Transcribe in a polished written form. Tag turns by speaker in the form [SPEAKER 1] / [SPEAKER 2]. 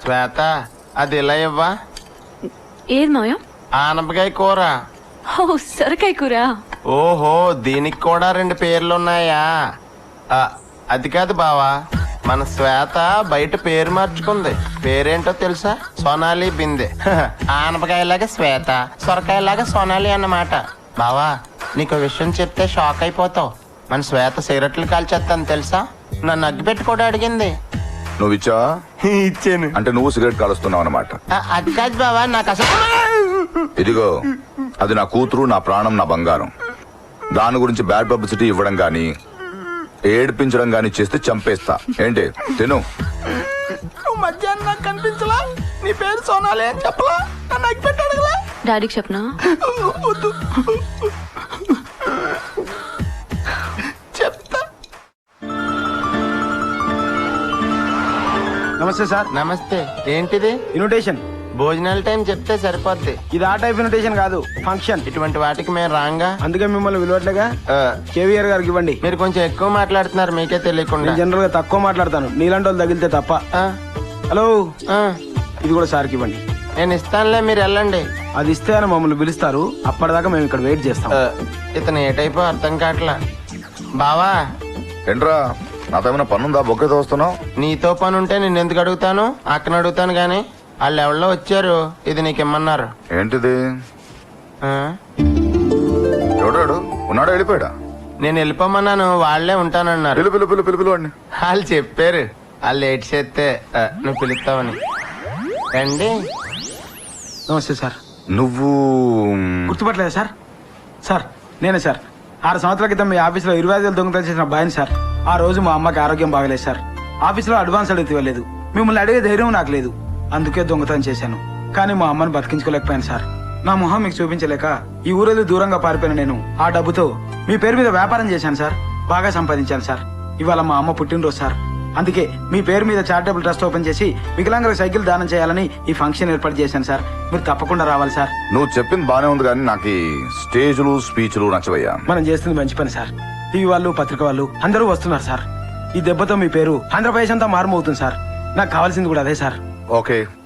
[SPEAKER 1] శ్వేత అది ఇలా ఇవ్వా.
[SPEAKER 2] ఏది మాయా?
[SPEAKER 1] ఆనపకాయ కూర.
[SPEAKER 2] ఓ సొరకాయ కూర.
[SPEAKER 1] ఓహో దీనికి కూడా 2 పేర్లున్నాయా? అది కాదు బావా, మన శ్వేత బయట పేరు మార్చుకుంది. పేరేంటో తెలుసా? సోనాలి బిందె. ఆనపకాయలాగా శ్వేత, సొరకాయలాగా సోనాలి అన్నమాట. బావా నీకు విషయం చెప్తే షాక్ అయిపోతావు. మన శ్వేత సిగరెట్లు కాల్చేస్తాను తెలుసా? నన్ను అగ్గిపెట్టి కూడా అడిగింది.
[SPEAKER 3] నువ్వు ఇచ్చావా?
[SPEAKER 1] ఇచ్చాను.
[SPEAKER 3] అంటే నువ్వు సిగరెట్ కాలుస్తున్నావు అన్నమాట.
[SPEAKER 1] అది కాదు బావా, నాకు అసలు.
[SPEAKER 3] ఇదిగో అది నా కూతురు, నా ప్రాణం, నా బంగారం. దాని గురించి బ్యాడ్ పబ్లిసిటీ ఇవ్వడం గానీ ఏడిపించడం గానీ చేస్తే చంపేస్తా. ఏంటి తిను.
[SPEAKER 1] నువ్వు మధ్యాహ్నం నాకు కనిపించలా? నీ పేరు సోనాలి అని చెప్పలా? నన్ను అగ్గిపెట్టి అడగలా?
[SPEAKER 2] డాడీకి చెప్పనా?
[SPEAKER 1] చెప్తా.
[SPEAKER 4] నమస్తే సార్.
[SPEAKER 1] నమస్తే. ఏంటిది?
[SPEAKER 4] ఇన్విటేషన్.
[SPEAKER 1] భోజనాల టైం చెప్తే సరిపోద్ది.
[SPEAKER 4] ఇది ఆ టైప్ ఇన్విటేషన్ కాదు, ఫంక్షన్.
[SPEAKER 1] ఇటువంటి వాటికి మేము రాంగా.
[SPEAKER 4] అందుకే మిమ్మల్ని విలువట్లేగా. కేవీఆర్ గారికి ఇవ్వండి.
[SPEAKER 1] మీరు కొంచెం ఎక్కువ మాట్లాడుతున్నారు మీకే తెలియకుండా.
[SPEAKER 4] నేను జనరల్ గా తక్కువ మాట్లాడతాను, నీలాంటి వాళ్ళు తగిలితే తప్ప. హలో, ఇది కూడా సార్కి ఇవ్వండి.
[SPEAKER 1] నేను ఇస్తానులే, మీరు వెళ్ళండి.
[SPEAKER 4] అది ఇస్తే అని మమ్మల్ని పిలుస్తారు, అప్పటిదాకా మేము ఇక్కడ వెయిట్ చేస్తాం.
[SPEAKER 1] ఇతను ఏ టైపు అర్థం కావట్లా. బావా
[SPEAKER 3] ఏంట్రా నాతో ఏమైనా పనుందా? బొక్కేతో వస్తున్నావు?
[SPEAKER 1] నీతో పని ఉంటే నేను ఎందుకు అడుగుతాను? అక్కన అడుగుతాను గాని. వాళ్ళు ఎవరిలో వచ్చారు, ఇది నీకు ఇమ్మన్నారు.
[SPEAKER 3] ఏంటిది?
[SPEAKER 1] ఆ?
[SPEAKER 3] ఎవడాడు? ఉన్నాడా? వెళ్ళిపోయాడా?
[SPEAKER 1] నేను వెళ్ళిపోమన్నాను, వాళ్లే ఉంటానన్నారు.
[SPEAKER 3] పిలు పిలు పిలు పిలు పిలు అండి.
[SPEAKER 1] వాళ్ళు చెప్పారు, వాళ్ళు లేట్ చేస్తే నువ్వు పిలుస్తావని. రండి.
[SPEAKER 4] నమస్తే సార్.
[SPEAKER 3] నువ్వు
[SPEAKER 4] గుర్తుపట్టలేదా సార్? సార్ నేనే సార్. 6 సంవత్సరాల క్రితం మీ ఆఫీస్లో 25,000 దొంగతనం చేసిన బాయని సార్. ఆ రోజు మా అమ్మకి ఆరోగ్యం బాగలేదు సార్. ఆఫీస్లో అడ్వాన్స్ అడిగితే ఇవ్వలేదు. మిమ్మల్ని అడిగే ధైర్యం నాకు లేదు, అందుకే దొంగతనం చేశాను. కానీ మా అమ్మని బతికించుకోలేకపోయాను సార్. నా మొహం మీకు చూపించలేక ఈ ఊరేది దూరంగా పారిపోయిన నేను ఆ డబ్బుతో మీ పేరు మీద వ్యాపారం చేశాను సార్. బాగా సంపాదించాను సార్. ఇవాళ మా అమ్మ పుట్టినరోజు సార్. అందుకే మీ పేరు మీద చారిటబుల్ ట్రస్ట్ ఓపెన్ చేసి వికలాంగులకు సైకిల్ దానం చేయాలని ఈ ఫంక్షన్ ఏర్పాటు చేశాను సార్. మీరు తప్పకుండా రావాలి సార్.
[SPEAKER 3] నువ్వు చెప్పింది బానే ఉంది కానీ నాకు ఈ స్టేజ్లు స్పీచ్లు నచ్చవయ్యా.
[SPEAKER 4] మనం చేస్తుంది మంచి పని సార్. టీవీ వాళ్ళు, పత్రిక వాళ్ళు అందరూ వస్తున్నారు సార్. ఈ దెబ్బతో మీ పేరు ఆంధ్రప్రదేశ్ అంతా మారుమవుతుంది సార్. నాకు కావాల్సింది కూడా అదే సార్.
[SPEAKER 3] ఓకే